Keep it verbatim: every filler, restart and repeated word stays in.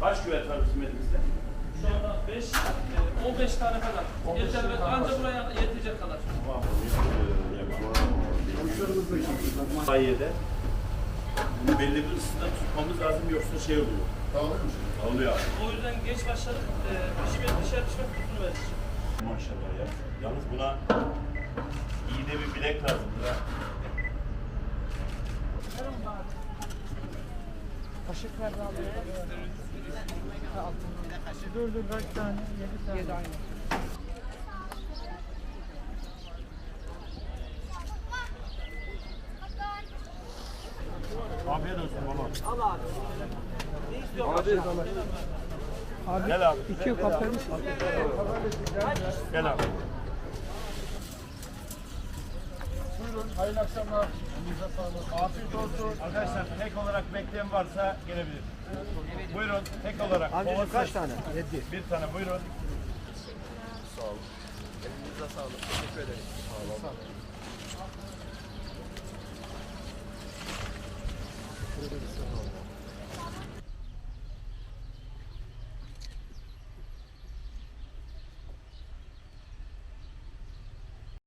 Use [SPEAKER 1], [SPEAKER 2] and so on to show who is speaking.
[SPEAKER 1] Kaç küvet var bizim elimizde?
[SPEAKER 2] Şu anda beş, on beş tane falan. Yeter ve ancak buraya yetecek kadar.
[SPEAKER 1] Sayede bunu belli bir ısıda tutmamız lazım yoksa şey oluyor. Oluyor.
[SPEAKER 2] O yüzden geç başladık. E, pişme, dışarı pişme kutusunu verdik.
[SPEAKER 1] Maşallah ya. Yalnız buna iyi de bir bilek lazımdır ha.
[SPEAKER 3] Kaşıklar da alıyor. Dur dur kaç tane? Yedi tane. Yedi aynı.
[SPEAKER 1] Afiyet olsun baba.
[SPEAKER 2] Al abi. Ne istiyorsun?
[SPEAKER 3] Abi, abi
[SPEAKER 1] Gel abi.
[SPEAKER 3] iki kapalı.
[SPEAKER 1] Gel abi.
[SPEAKER 4] Buyurun, hayırlı akşamlar. Elinize sağlık. Afiyet olsun.
[SPEAKER 1] Arkadaşlar tek olarak bekleyen varsa gelebilir. Buyurun tek olarak.
[SPEAKER 4] Amcacığım kaç tane?
[SPEAKER 1] Yedi. Bir tane buyurun.
[SPEAKER 4] Sağ olun. Elinize sağlık. Teşekkür ederim. Sağ olun. Sağ olun.